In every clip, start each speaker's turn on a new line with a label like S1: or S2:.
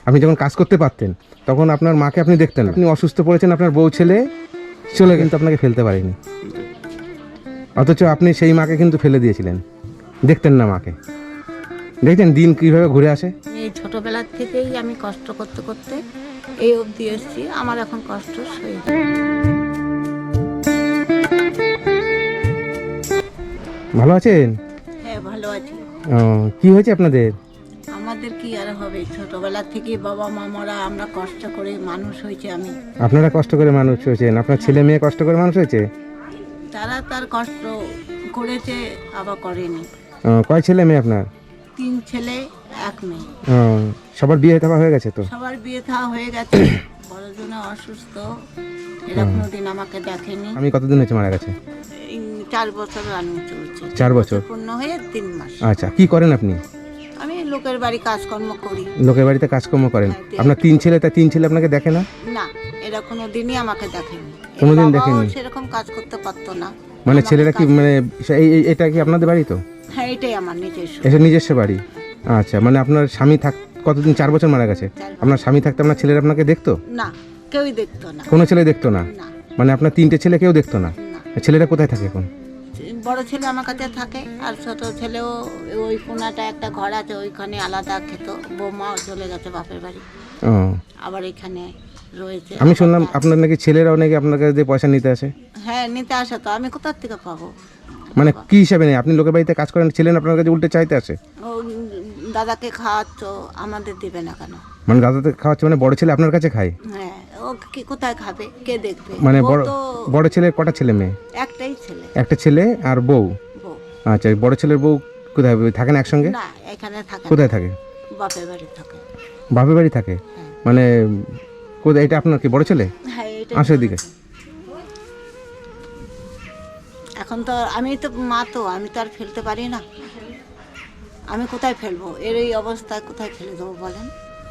S1: আপনি যখন কাজ করতে পারতেন তখন আপনার মাকে আপনি দেখতেন না। আপনি অসুস্থ পড়েছেন, আপনার বউ ছেলে চলে কিন্তু আপনাকে ফেলতে পারেনি, অথচ আপনি সেই মাকে কিন্তু ফেলে দিয়েছিলেন, দেখতেন না মাকে। দেখতেন দিন কীভাবে ঘুরে আসে।
S2: এই ছোটবেলার থেকেই আমি কষ্ট করতে করতে এই অবধি এসেছি। আমার এখন কষ্ট সয়ে যায়।
S1: ভালো আছেন?
S2: হ্যাঁ, ভালো আছি।
S1: ও, কি হয়েছে আপনাদের?
S2: আমাদের কি আর হবে, ছোটবেলা থেকে বাবা মামারা আমরা কষ্ট করে মানুষ হয়েছে। আমি
S1: আপনারা কষ্ট করে মানুষ হয়েছেন, আপনার ছেলে মেয়ে কষ্ট করে মানুষ হয়েছে?
S2: তারা তার কষ্ট করেছে, আবার করেনি।
S1: কয় ছেলে মেয়ে আপনার?
S2: 3 ছেলে 1 মেয়ে।
S1: সবার বিয়ে থাকা হয়ে গেছে তো?
S2: সবার বিয়ে থা হয়ে গেছে। বড়জনে অসুস্থ, এরা কোনোদিন আমাকে দেখেনি।
S1: আমি কতদিন হয়েছে মারা গেছে?
S2: এই 4 বছর রানিং চলছে।
S1: 4 বছর
S2: পূর্ণ হয়ে 3 মাস।
S1: আচ্ছা, কি করেন আপনি?
S2: আমি লোকের বাড়ি কাজকর্ম করি।
S1: লোকের বাড়িতে কাজকর্ম করেন?
S2: হ্যাঁ,
S1: আপনার 3 ছেলে, তা 3 ছেলে আপনাকে দেখে না?
S2: না, এরা কোনোদিনই আমাকে দেখেনি।
S1: কোনোদিন
S2: বাবাও
S1: দেখেনি?
S2: সেরকম কাজ করতে পারতো না।
S1: মানে
S2: আমাকে
S1: ছেলেরা কি
S2: কাজ-
S1: মানে এটা কি আপনাদের বাড়ি তো?
S2: হ্যাঁ, এটাই আমার নিজস্ব।
S1: এটা নিজস্ব বাড়ি। আচ্ছা, মানে আপনার স্বামী কতদিন? 4 বছর মারা গেছে।
S2: 4 বছর।
S1: আপনার স্বামী থাকতে আপনার ছেলেরা আপনাকে দেখতো?
S2: না, কেউই দেখতো না।
S1: কোনো ছেলে দেখতো না?
S2: না,
S1: মানে আপনার 3টে ছেলে কেউ দেখতো না?
S2: না।
S1: ছেলেরা কোথায় থাকে এখন?
S2: বড় ছেলে আমার কাছে থাকে, আর ছোট ছেলেও ওই কোনাটা একটা ঘর আছে, ওইখানে আলাদা খেত। বৌমাও চলে গেছে বাপের বাড়ি,
S1: ও,
S2: আবার এখানে রয়েছে।
S1: আমি শুনলাম আপনার নাকি ছেলেরাও নাকি আপনার কাছে দিয়ে পয়সা নিতে আসে।
S2: হ্যাঁ, নিতে আসে তো, আমি কোথার থেকে পাবো?
S1: মানে কি হিসাবে নেই? আপনি লোকের বাড়িতে কাজ করেন, ছেলে আপনার কাছে উল্টে চাইতে আসে?
S2: ও দাদাকে খাওয়াচ্ছ, আমাদের দিবে না কেন?
S1: মানে দাদাতে খাওয়াচ্ছে, মানে বড় ছেলে আপনার কাছে খায়?
S2: হ্যাঁ, ও কি কোথায় খাবে, কে দেখবে?
S1: মানে
S2: ও
S1: বড়
S2: তো
S1: বড় ছেলের কটা ছেলে মেয়ে?
S2: একটাই ছেলে,
S1: একটা ছেলে আর বউ?
S2: বউ।
S1: আচ্ছা, বড় ছেলের বউ কোথায় থাকেন একসঙ্গে?
S2: না, এখানে থাকে না,
S1: কোথায় থাকে?
S2: বাপের বাড়ি থাকে।
S1: বাপের বাড়ি থাকে?
S2: হ্যাঁ।
S1: মানে কোথায়? এটা আপনার কি বড় ছেলে?
S2: হ্যাঁ, এটা
S1: আসো এদিকে।
S2: এখন তো আমি তো মা, তো আমি তো আর ফেলতে পারি না। আমি কোথায় ফেলবো? এর এই অবস্থায় কোথায় ফেলে দেবো বলেন?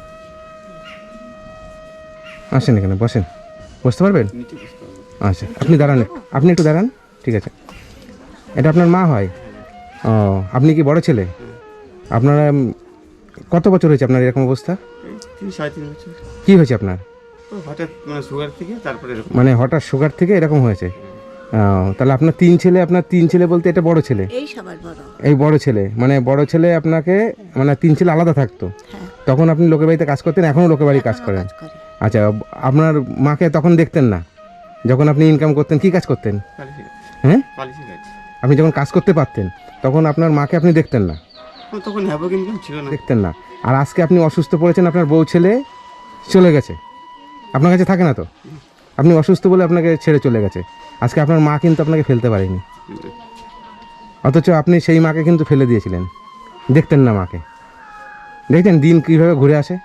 S1: আসেন এখানে বসেন, বসতে পারবেন? আচ্ছা, আপনি দাঁড়ান, আপনি একটু দাঁড়ান। ঠিক আছে, এটা আপনার মা হয়? ও, আপনি কি বড় ছেলে? আপনারা কত বছর হয়েছে আপনার এরকম অবস্থা?
S3: 3-3.5 বছর।
S1: কি হয়েছে আপনার?
S3: তো হঠাৎ মানে সুগার থেকে তারপরে এরকম।
S1: মানে হঠাৎ সুগার থেকে এরকম হয়েছে? ও, তাহলে আপনার 3 ছেলে, আপনার 3 ছেলে বলতে এটা বড় ছেলে?
S2: এই সবার বড়।
S1: এই বড় ছেলে, মানে বড় ছেলে আপনাকে, মানে 3 ছেলে আলাদা থাকতো
S2: হ্যাঁ,
S1: তখন আপনি লোকের বাড়িতে কাজ করতেন, এখনও লোকের বাড়ি কাজ
S2: এখনো
S1: করেন?
S2: কাজ করে।
S1: আচ্ছা, আপনার মাকে তখন দেখতেন না যখন আপনি ইনকাম করতেন? কি কাজ করতেন?
S3: পালিশি গাছ।
S1: হ্যাঁ,
S3: পালিশি গাছ।
S1: আপনি যখন কাজ করতে পারতেন তখন আপনার মাকে আপনি দেখতেন না?
S3: আমার তখন হ্যাভক ইনকাম ছিল না।
S1: দেখতেন না। আর আজকে আপনি অসুস্থ পড়েছেন, আপনার বউ ছেলে চলে গেছে, আপনার কাছে থাকে না তো? আপনি অসুস্থ বলে আপনাকে ছেড়ে চলে গেছে। আজকে আপনার মা কিন্তু আপনাকে ফেলতে পারেনি, অথচ আপনি সেই মাকে কিন্তু ফেলে দিয়েছিলেন, দেখতেন না মাকে। দেখতেন দিন কীভাবে ঘুরে আসে।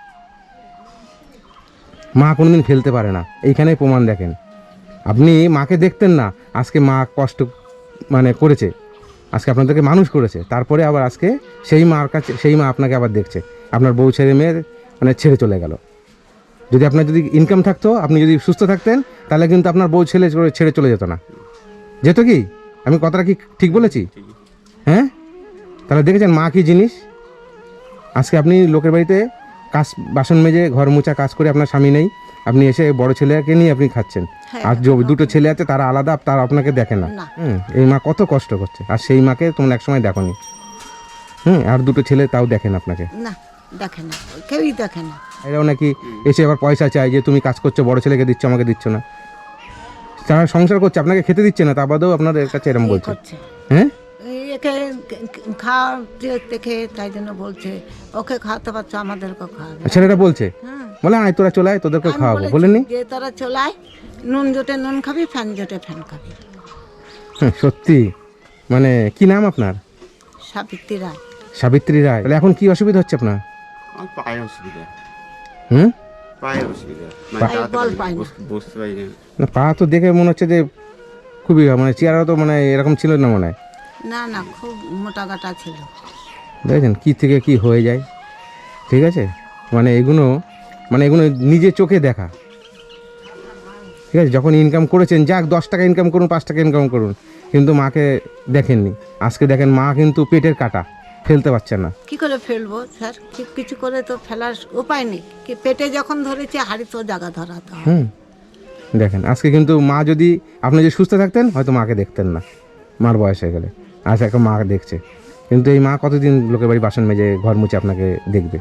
S1: মা কোনোদিন ফেলতে পারে না, এইখানেই প্রমাণ। দেখেন, আপনি মাকে দেখতেন না, আজকে মা কষ্ট মানে করেছে, আজকে আপনাদেরকে মানুষ করেছে, তারপরে আবার আজকে সেই মার কাছে, সেই মা আপনাকে আবার দেখছে। আপনার বউ ছেলে মেয়ে মানে ছেড়ে চলে গেল। যদি আপনার যদি ইনকাম থাকতো, আপনি যদি সুস্থ থাকতেন, তাহলে কিন্তু আপনার বউ ছেড়ে চলে যেত না, যেত কি? আমি কথাটা কি ঠিক বলেছি? হ্যাঁ, তাহলে দেখেছেন মা কী জিনিস। আজকে আপনি লোকের বাড়িতে কাজ, বাসন মেজে ঘর মোছা কাজ করে, আপনার স্বামী নেই, আপনি এসে বড় ছেলেকে নিয়ে আপনি খাচ্ছেন।
S2: হ্যাঁ,
S1: আর যে 2টো ছেলে আছে তারা আলাদা, তারা আপনাকে দেখে না।
S2: না।
S1: এই মা কত কষ্ট করছে, আর সেই মাকে তোমরা একসময় দেখোনি। আর 2টো ছেলে তাও দেখেন আপনাকে।
S2: না, দেখে না, কেউই দেখে না।
S1: এরাও নাকি এসে আবার পয়সা চায়, যে তুমি কাজ করছো, বড় ছেলেকে দিচ্ছ, আমাকে দিচ্ছ না। তারা সংসার করছে, আপনাকে খেতে দিচ্ছে না, তা বাদেও আপনাদের কাছে এরকম
S2: এই
S1: বলছে।
S2: করছে।
S1: হ্যাঁ,
S2: একে খাওয়া দেখে তাই জন্য বলছে, ওকে খাওয়াতে পারছো, আমাদেরকেও খাওয়াবে।
S1: ছেলেরা বলছে,
S2: হ্যাঁ,
S1: বলে আয় তোরা চলে আয়, তোদেরকেও
S2: আমি
S1: খাওয়াবো,
S2: বলেছি
S1: বলেননি?
S2: যে তোরা চলাই, নুন জোটে নুন খাবি, ফ্যান জোটে ফ্যান খাবি।
S1: সত্যি। মানে কি নাম আপনার?
S2: সাবিত্রী রায়।
S1: সাবিত্রী রায়। তাহলে এখন কি অসুবিধা হচ্ছে আপনার?
S3: আমার পায়ে অসুবিধা।
S1: হুম,
S3: পায়ের অসুবিধা। মানে
S2: পায়ে
S3: তাড়াতাড়ি
S2: বল পায় না।
S3: বসতে পারি না।
S1: না, পা তো দেখে মনে হচ্ছে যে খুবই, মানে চেয়ারও তো মানে এরকম ছিল না মনে হয়।
S2: না না, খুব মোটা গাটা ছিল।
S1: দেখেছেন কী থেকে কি হয়ে যায়। ঠিক আছে, মানে এগুলো নিজে চোখে দেখা। ঠিক আছে, যখন ইনকাম করেছেন, যাক 10 টাকা ইনকাম করুন, 5 টাকা ইনকাম করুন, কিন্তু মাকে দেখেননি। আজকে দেখেন মা কিন্তু পেটের কাটা, ফেলতে পারছেন না।
S2: কি করে ফেলবো স্যার? কিছু করে তো ফেলার উপায় নেই। কি পেটে যখন ধরেছে হাড়ি তো জায়গা ধরাতে হবে।
S1: দেখেন আজকে কিন্তু মা যদি আপনি যদি সুস্থ থাকতেন হয়তো মাকে দেখতেন না, মার বয়স হয়ে গেলে। আজ এখন মা দেখছে, কিন্তু এই মা কতদিন লোকের বাড়ি বাসন মেজে ঘর মুছে আপনাকে দেখবে?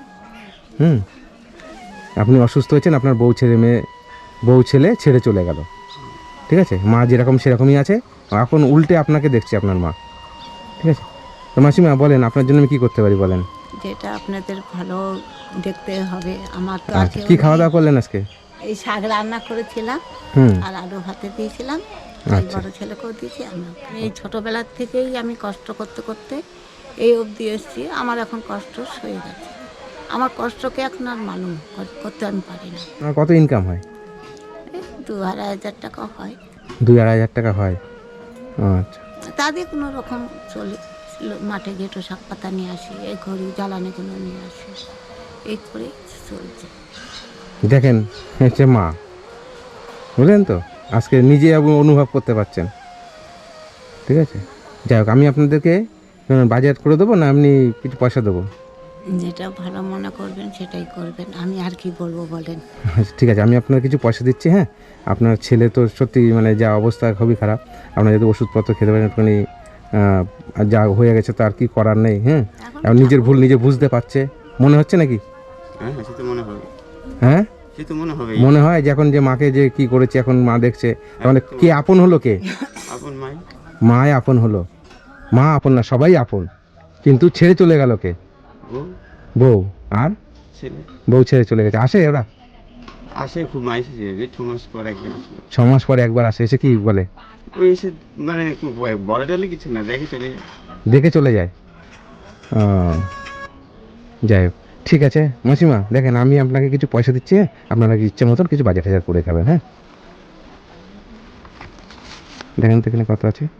S1: আপনি অসুস্থ হয়েছেন, আপনার বউ ছেলে ছেড়ে চলে গেল, ঠিক আছে? মা যেরকম সেরকমই আছে, এখন উল্টে আপনাকে দেখছে আপনার মা, ঠিক আছে? তো মাসিমা বলেন, আপনার জন্য আমি কী করতে পারি বলেন?
S2: যেটা আপনাদের ভালো দেখতে হবে। আমার তো আর
S1: আচ্ছা,
S2: কেউ
S1: কী খাওয়া
S2: নেই।
S1: দাওয়া করলেন আজকে?
S2: এই শাক রান্না করেছিলাম
S1: হুম
S2: আর আলু ভাতে দিয়েছিলাম। এই
S1: আচ্ছা।
S2: বড় ছেলেকেও দিয়েছি। এই ছোটবেলার থেকেই আমি কষ্ট করতে করতে এই অবধি এসেছি। আমার এখন কষ্ট সয়ে গেছে। আমার কষ্টকে এখন আর মালুম করতে আমি পারি না।
S1: আপনার কত ইনকাম হয়?
S2: এই 2,500 টাকা হয়।
S1: 2-2,500 টাকা হয়? আচ্ছা।
S2: তা দিয়ে কোনো রকম চলে। মাঠে গেটো শাক পাতা নিয়ে আসি, এই ঘড়ি জ্বালানিগুলো নিয়ে আসি, এই করে চলছে।
S1: দেখেন হচ্ছে মা, বুঝলেন তো? আজকে নিজে অনুভব করতে পারছেন, ঠিক আছে? যাই হোক, আমি আপনাদেরকে বাজেট করে দেবো না এমনি কিছু পয়সা দেবো?
S2: যেটা ভালো মনে করবেন সেটাই করবেন। আমি আর কি বলবো বলেন?
S1: আচ্ছা, ঠিক আছে, আমি আপনার কিছু পয়সা দিচ্ছি। হ্যাঁ, আপনার ছেলে তো সত্যি মানে যা অবস্থা খুবই খারাপ। আপনার যদি ওষুধপত্র খেতে পারেন একটুখানি, যা হয়ে গেছে তো আর কি করার নেই। হ্যাঁ, এখন নিজের ভুল নিজে বুঝতে পারছে, মনে হচ্ছে নাকি?
S3: হ্যাঁ সে তো মনে হবে,
S1: হ্যাঁ
S3: সে তো মনে হবে।
S1: মনে হয় যে এখন যে মাকে যে কি করেছে এখন মা দেখছে, তাহলে কে আপন হলো? কে
S3: আপন মাই?
S1: মায় আপন হলো? মা আপন না, সবাই আপন, কিন্তু ছেড়ে চলে গেল কে?
S3: ও
S1: বউ। আর
S3: ছেলে
S1: বউ ছেড়ে চলে গেছে। আসে ওরা
S3: আসে, খুব মাইস 2 মাস পর একবার আসে।
S1: 6 মাস পরে একবার আসে, এসে কি বলে?
S3: ওই এসে মানে খুব বড় টলে কিছু না, দেখে চলে যায়।
S1: দেখে চলে যায়? ও, যাই হোক, ঠিক আছে মাসিমা, দেখেন আমি আপনাকে কিছু পয়সা দিচ্ছি, আপনারা ইচ্ছে মতন কিছু বাজার টাজার করে খাবেন। হ্যাঁ, দেখেন তো এখানে কত আছে।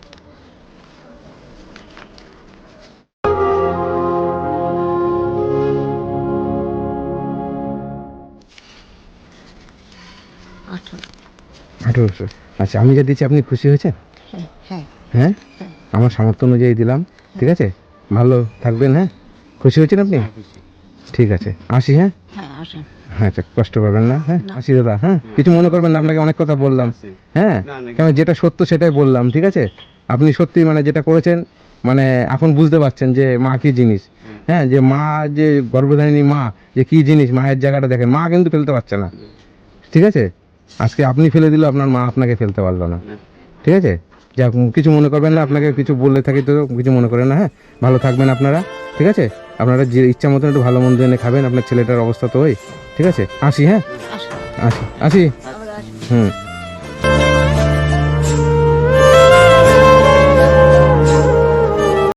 S2: আঠারো।
S1: 1800। আচ্ছা, আমি যা দিচ্ছি আপনি খুশি হয়েছেন?
S2: হ্যাঁ হ্যাঁ
S1: হ্যাঁ, আমার সামর্থ্য অনুযায়ী দিলাম, ঠিক আছে? ভালো থাকবেন। হ্যাঁ, খুশি হয়েছেন আপনি?
S3: খুশি।
S1: ঠিক আছে, আসি। হ্যাঁ
S2: হ্যাঁ আসেন।
S1: হ্যাঁ, আচ্ছা, কষ্ট করবেন না। হ্যাঁ, আসি দাদা। হ্যাঁ, কিছু মনে করবেন না, আপনাকে অনেক কথা বললাম। হ্যাঁ,
S3: না, না।
S1: কেন যেটা সত্য সেটাই বললাম, ঠিক আছে? আপনি সত্যি মানে যেটা করেছেন, মানে এখন বুঝতে পারছেন যে মা কি জিনিস। হ্যাঁ, যে মা, যে গর্ভধারিণী মা যে কি জিনিস, মায়ের জায়গাটা দেখেন। মা কিন্তু ফেলতে পারছে না, ঠিক আছে? আজকে আপনি ফেলে দিল, আপনার মা আপনাকে ফেলতে পারলো না, ঠিক আছে? যা, কিছু মনে করবেন না, আপনাকে কিছু বললে থাকি তো কিছু মনে করেন না। হ্যাঁ, ভালো থাকবেন আপনারা, ঠিক আছে? আপনারা যে ইচ্ছা মতন একটু ভালো মন্দ এনে খাবেন, আপনার ছেলেটার অবস্থা তো ওই, ঠিক আছে? আসি। হ্যাঁ,
S2: আসেন।
S1: আসি।
S2: আবার আসেন।
S1: হুম।